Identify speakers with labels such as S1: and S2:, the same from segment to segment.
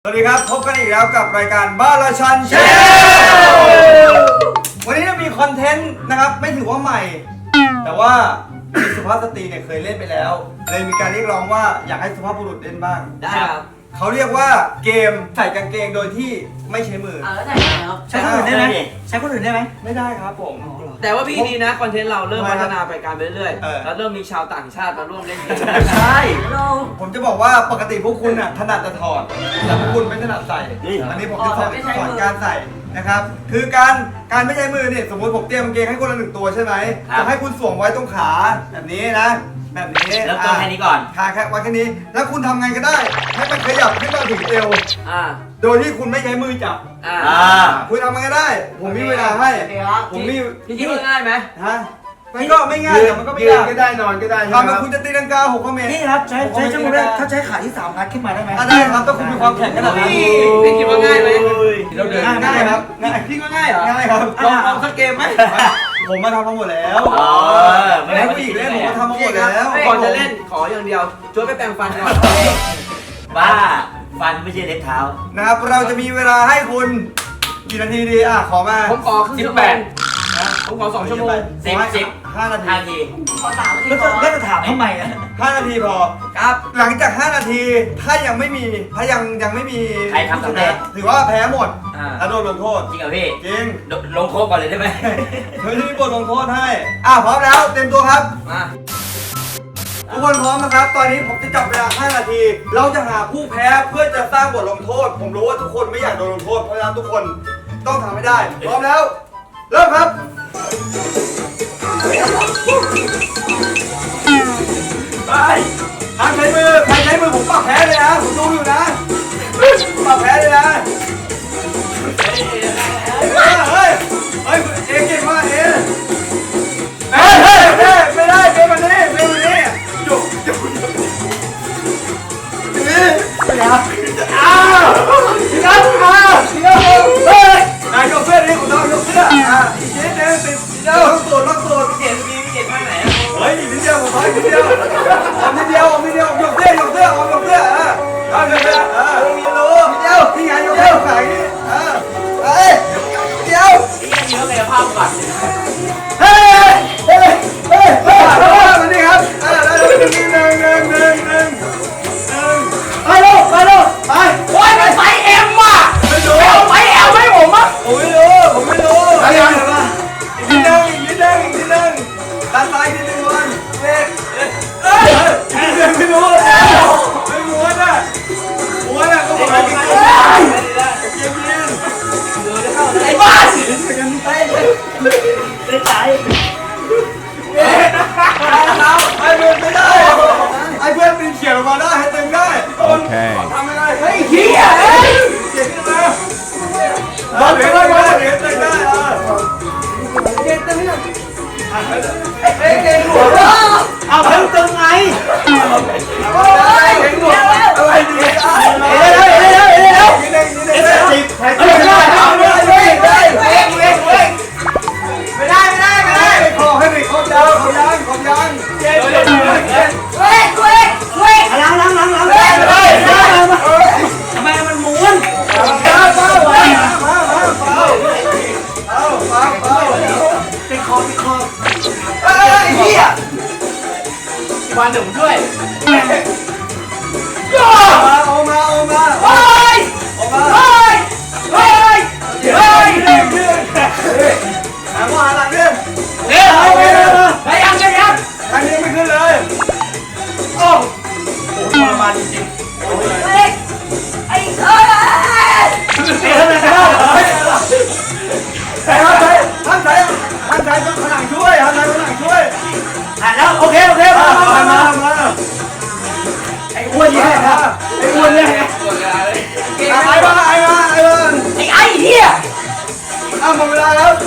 S1: สวัสดีครับพบกันอีกแล้วกับรายการบ้านราชันแชนวันนี้เรามีคอนเทนต์นะครับไม่ถือว่าใหม่ แต่ว่าสุภาพสตรีเนี่ยเคยเล่นไปแล้วเลยมีการเรียกร้องว่าอยากให้สุภาพบุรุษเล่นบ้าง
S2: ได้ครับ
S1: เขาเรียกว่าเกมใส่กางเกงโดยที่ไม่ใช้มือ
S2: แล้วไหนครับ
S3: ใช้คนอื่นได้ไหมใช้คนอื่นได้ไหม
S1: ไม่ได้ครับผม
S2: แต่ว่าพี่นี้นะคอนเทนต์เราเริ่ม
S1: ทำไม
S2: พั
S1: ครับ
S2: ฒนาไปการไปเรื่อย
S1: เออ
S2: ๆแล้วเริ่มมีชาวต่างชาติมาร่วมเล่นเกม
S1: ใช่ผมจะบอกว่าปกติพวกคุณน่ะถนัดจะถอดแต่พวกคุณไม่ถนัดใส่อันนี้ผมจะสอนการใส่นะครับคือการไม่ใช้มือเนี่ยสมมติผมเตรียมกางเกงให้คนละ1ตัวใช่ไหมจะให้คุณสวมไว้ตรงขาแบบนี้นะแบบนี้
S3: เริ่มต้นแค่นี้ก่อน
S1: ขาแค่ไว้แค่นี้แล้วคุณทำไงก็ได้ให้มันขยับขึ้นมาถึงเอว
S2: อ่า
S1: โดยที่คุณไม่ใช้มือจับ
S2: อ่า
S1: คุณทำไงก็ได้ ผมมีเวลาให้ผมมี
S2: พี่คิดว่าง่ายไหม
S1: ฮะมันก็ไม่ง่ายแต่มันก็ไม่
S4: ยืน
S1: ยาก
S4: ก็ได้นอนก็ได้ใช่ไหม
S1: ทำ
S4: ค
S1: แบ
S4: รั
S1: บบ คุณจะตีลังกา6 เมตร
S3: นี่ครับใช้ชั่วโมงได้ถ้าใช้ขาที่3งัดขึ้นมาได้ไหม
S1: ได้ครับถ้าคุณมีความแข็งขนาดนั้น
S2: พี่คิดว่าง่ายไหม
S1: เราเดินง่ายครับง่าย
S2: พี่ว่าง่ายเหรอ
S1: ง่ายครับ
S2: ลองสักเกมไหม
S1: ผมมาทำมาหมดแล้ว
S3: ไม่
S1: ให้
S3: ได้
S1: ผู้หญิงเล่นผมมาทำมาหมดแล้ว
S2: ก่อนจะเล่นขออย่างเดียวช่วยไปแปรงฟันก่อน
S3: บ้าฟันไม่ใช่เล็บเท้า
S1: นะครับเราจะมีเวลาให้คุณกี่นาทีดีขอมา
S2: ผมขอครึ่งชั่วโมงผมขอ2 ชั่วโมง
S1: 5 นาที
S3: 5 ทีแล้วจะถามทำไมอ่ะ
S1: 5 นาทีพอ
S2: ครับ
S1: หลังจาก 5 นาทีถ้ายังไม่มี
S3: ใครทำสำเร็จ
S1: ถือว่าแพ้หมด
S2: อ่า
S1: แล้วโดนลงโทษ
S3: จริงเหรอพี่
S1: จริง
S3: ลงโทษก่อนเลยได้ไหม
S1: เฮ้ยมีบทลงโทษให้พร้อมแล้วเต็มตัวครับ
S2: มา
S1: ทุกคนพร้อมนะครับ ตอนนี้ผมจะจับเวลา 5 นาที เราจะหาผู้แพ้เพื่อจะสร้างบทลงโทษ ผมรู้ว่าทุกคนไม่อยากโดนลงโทษ เพราะฉะนั้นทุกคนต้องทำให้ได้ พร้อมแล้ว เริ่มครับ ไปห้ามใช้มือ ใครใช้มือผมปรับแพ้เลยนะ ผมดูอยู่นะปรับแพ้เลยนะ เฮ้ยเอเก่งมากเอไม่ได้เป็นวันนี้จุกไปครับพี่ครับเฮ้ยนายยกเสื้อนี่ผมต้องยกเสื้ออีกนิดนึงติดเดียวต้องสูดเก่งข้างไหนเฮ้ยอีกนิดเดียวผมขออีกนิดเดียวผมยกเสื้อยกเสื้อเอายกเสื้อมีรู้พี่ไงยกเสื้อขายนี่เฮ้ยเดียว
S3: นี่เขาเลยภาพก่อน
S1: เฮ้ยมานี่ครับแล้วหนึ่งไปโอ้ยมันไฟเอ็มว่ะไม่รู้เอาไฟเอลไหมผมอ่ะผมไม่รู้อะไรอย่างเงี้ยอีกนิดนึงด้านซ้ายนิดนึงวันเด็กไม่รู้ไม่ม้วนอ่ะก็บอกให้กินไอ้บ้าได้ใจไอ้เพื่อนไม่ได้ไอ้เพื่อนปีนเขียนออกมาได้ให้ตึงได้โอเคทำไม่ได้เฮ้ยเฮียเขียนขึ้นมาบอลเหลือตึงได้เก่งตึงนี่เก่งหัวเอาเพิ่งตึงไงเก่งหัวอะไรดีไม่พอให้ไปครบยังทำไมมันม้วนติดคอไอ้เหี้ย
S3: วันหนึ่งด้วย
S1: เอามาหาหลังเนี่ยไปยังทางนี้ไม่ขึ้นเลยโอ้โหทรมานจริงห้ามใช้ต้องขนังช่วย
S3: แล้วโอเค
S1: มา
S3: ไอ้อ้วนเนี่ยไอ้อ้วนเนี่ย
S1: ไอ้เหี้ยหมดเวลาแล้ว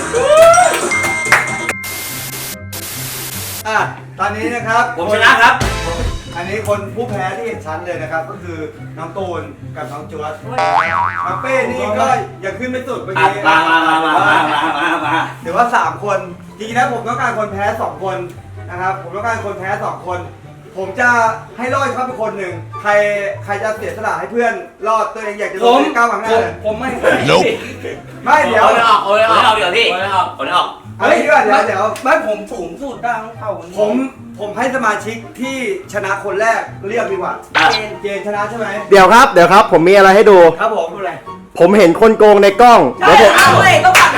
S1: ตอนนี้นะครับ
S3: ผมชนะครับ
S1: อันนี้คนผู้แพ้ที่เห็นชั้นเลยนะครับก็คือน้องตูนกับน้องจวดน้องเป้นี่ก็ยังขึ้นไม่สุดเมื่อกี้
S3: มา
S1: ถือว่า3 คนจริงๆแล้วผมต้องการคนแพ้2 คนนะครับผมต้องการคนแพ้2 คนผมจะให้รอดครับเป็นคนหนึ่งใครจะเสียสละให้เพื่อนรอดตัวเองอยากจะลงก้าวข้างหน้าเลย
S3: ผมไม่
S1: ไม่เดี๋ยว
S4: เอาเลยออกเดี๋ยวพี่เอาเลยออก
S1: เฮ้ยเดี๋ยว
S3: ไม่ผมสูงสุดได้เท่ากัน
S1: ผมให้สมาชิกที่ชนะคนแรกเรียกดีกว่าเจนชนะใช่ไหม
S5: เดี๋ยวครับผมมีอะไรให้ดู
S1: ครับผมดูอะไร
S5: ผมเห็นคนโกงในกล้องเดี๋ยวผม
S2: เอาเลยต้องปัด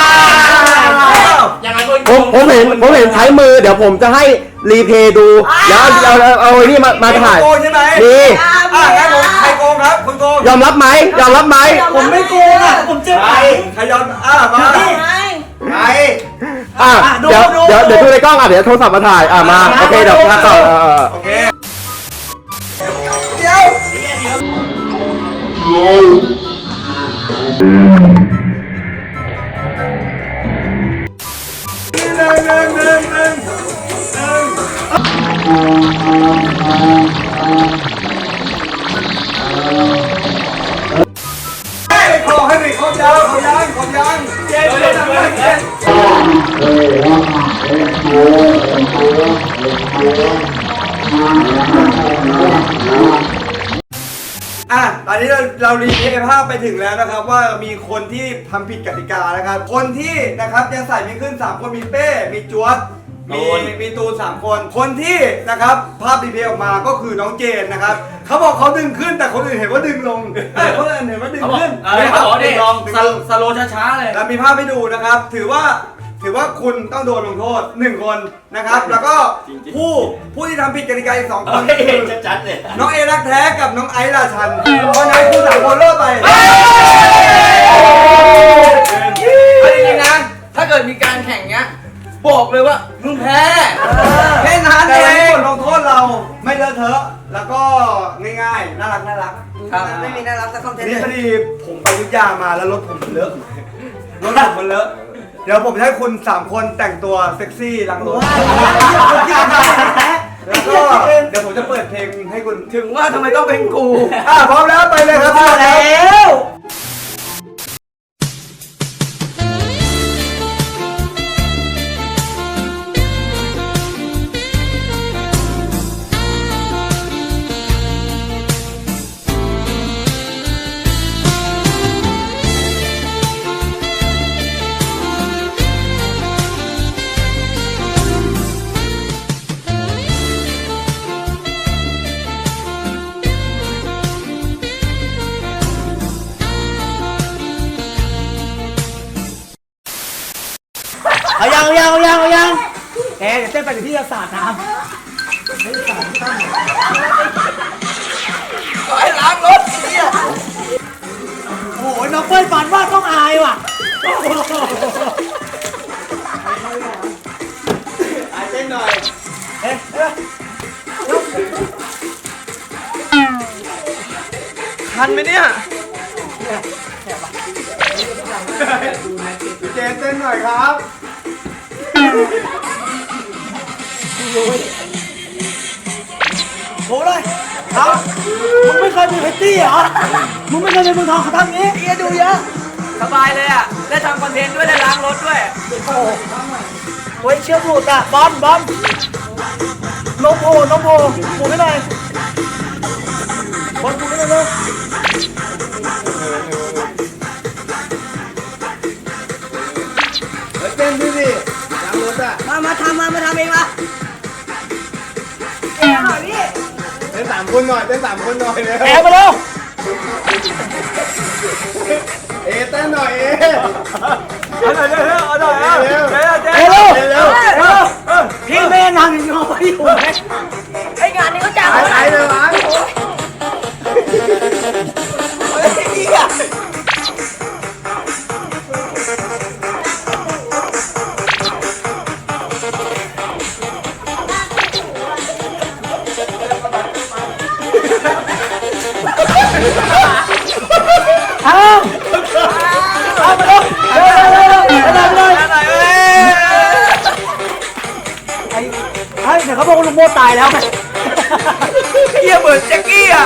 S4: ยังไง
S5: ผมเห็นใช้มือเดี๋ยวผมจะให้รีเพย์ดูเดี๋ยวเอาไอ้นี่มาถ่าย
S1: โกงใช่ไหม
S5: มี
S1: งั้นผมใครโกงครับคุณโกง
S5: ยอมรับไหม
S3: ผมไม่โกงอ่ะผมเจ็บไป
S1: ใครยอมมาใคร
S5: เดี๋ยวดูในกล้องเดี๋ยวโทรศัพท์มาถ่ายมาโอเคเดี๋ยวพักก่อน
S1: โอเคเดี๋ยวหนึ่งให้ไปขอให้ไปขอยางเจ๊ตอนนี้เรารีเพย์ภาพไปถึงแล้วนะครับว่ามีคนที่ทำผิดกติกานะครับ คนที่นะครับยังใส่ไม่ขึ้น3คนมีเป้มีจวดมีตูน3คนคนที่นะครับภาพรีเพย์ออกมาก็คือน้องเจนนะครับเขาบอกเขาดึงขึ้นแต่คนอื่นเห็นว่าดึงลงคนอื่นเห็นว่าดึงขึ้น
S4: เขาบอกดิลอง
S3: สโลช้าๆเลย
S1: เรามีภาพให้ดูนะครับ ถือว่าคุณต้องโดนลงโทษ1คนนะครับ แล้วก็ผู้ที่ทำผิดกติกาอีก2คนคือ
S4: จัดเลย
S1: น้องเอรักแท้กับน้องไอซ์ราชันเพราะนั้นคุณ3คนเลิกไป
S2: เอาจริงๆนะถ้าเกิดมีการแข่งเงี้ยบอกเลยว่ามึงแพ้แค่นั้น
S1: แต่
S2: เอ
S1: วันนี้
S2: ง
S1: บทลงโทษเราไม่เลอะเทอะแล้วก็ง่ายๆน่ารัก
S2: ครับไม่มีน่ารักสักคอนเทนต์
S1: นี่
S2: เลย
S1: พอดีผมไปอยุธยามาแล้วรถผมมันเลอะรถผมมันเลอะเดี๋ยวผมจะให้คุณ3คนแต่งตัวเซ็กซี่หลังรถแล้วก็เดี๋ยวผมจะเปิดเพลงให้คุณ
S2: ถึงว่าทำไมต้องเป็นกู
S1: พร้อมแล้วไปเลยครับพร้อมแล้ว
S3: เอายังแกเดี๋ยวเต้นไปถึงที่จะสาดน้ำ
S2: ไอ้ล้างรถเนี่ย
S3: โอ้ยน้องเปิ้ลฝันว่าต้องอายว่ะ
S1: เต้นหน่อย
S2: ทันไหมเนี่ย
S1: เจนเต้นหน่อยครับ
S3: โหเลยครับมึงไม่เคยเป็นเพตตี้เหรอ มึงไม่เคยเป็นเมืองทองเขาทำงี้เอียดูเยอะ
S2: สบายเลยอ่ะได้ทำคอนเทนต์ด้วยได้ล้างรถด้วย
S3: โอ้ยเชือกหลุดอ่ะบอมนมโผล่ผูกให้หน่อยบอลผูกให้หน่อยเลย
S1: เต้นพี่ดิหลังรถอ่ะ
S3: มาทำเองมา
S1: เต้น3คนหน่อยเต้น3คนหน่อยเร็ว
S3: แอบมาเร็ว
S1: เต้นหน่อยเร็ว
S3: พี่แม่นางยังงอไปอยู่ไหม
S6: ไองานนี้ก็จ้าง
S1: ไปเลยวะ
S3: เอามาเร็วเดี๋ยวเขาบอกว่าลุงโมตายแล้วไง
S2: เฮียเหมือนแจ็คกี้อ่ะ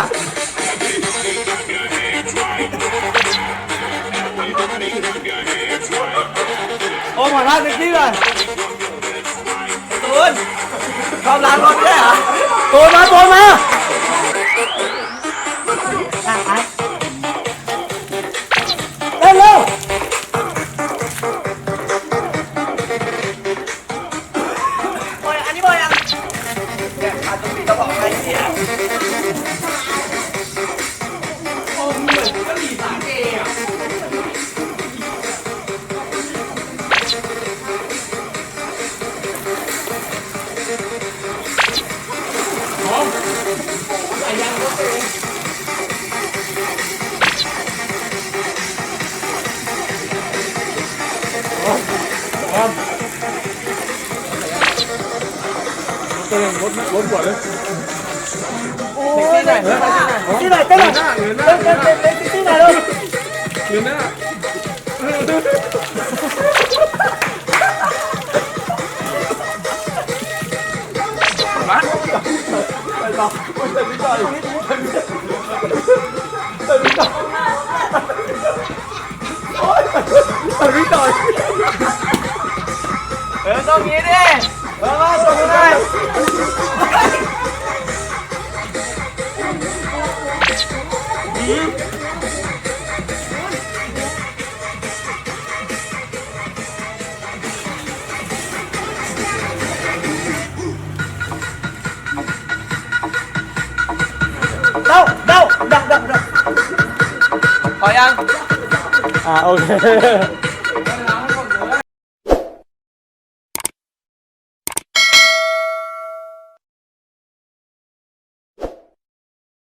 S3: โอ้มาล่าเซ็กซี่เลย
S2: ตูนชอบล้างรถด้วยเหรอ
S3: โกนมาเร็วบอยอันนี้บอยยังเนี่ยขาดตรงนี้ก็บอกไปเนี่ย ที่ไหนเต้นหน่อยที่ไหนลูกต้องงี้ดิมาส่งได้เดา
S2: พอยัง
S3: โอเค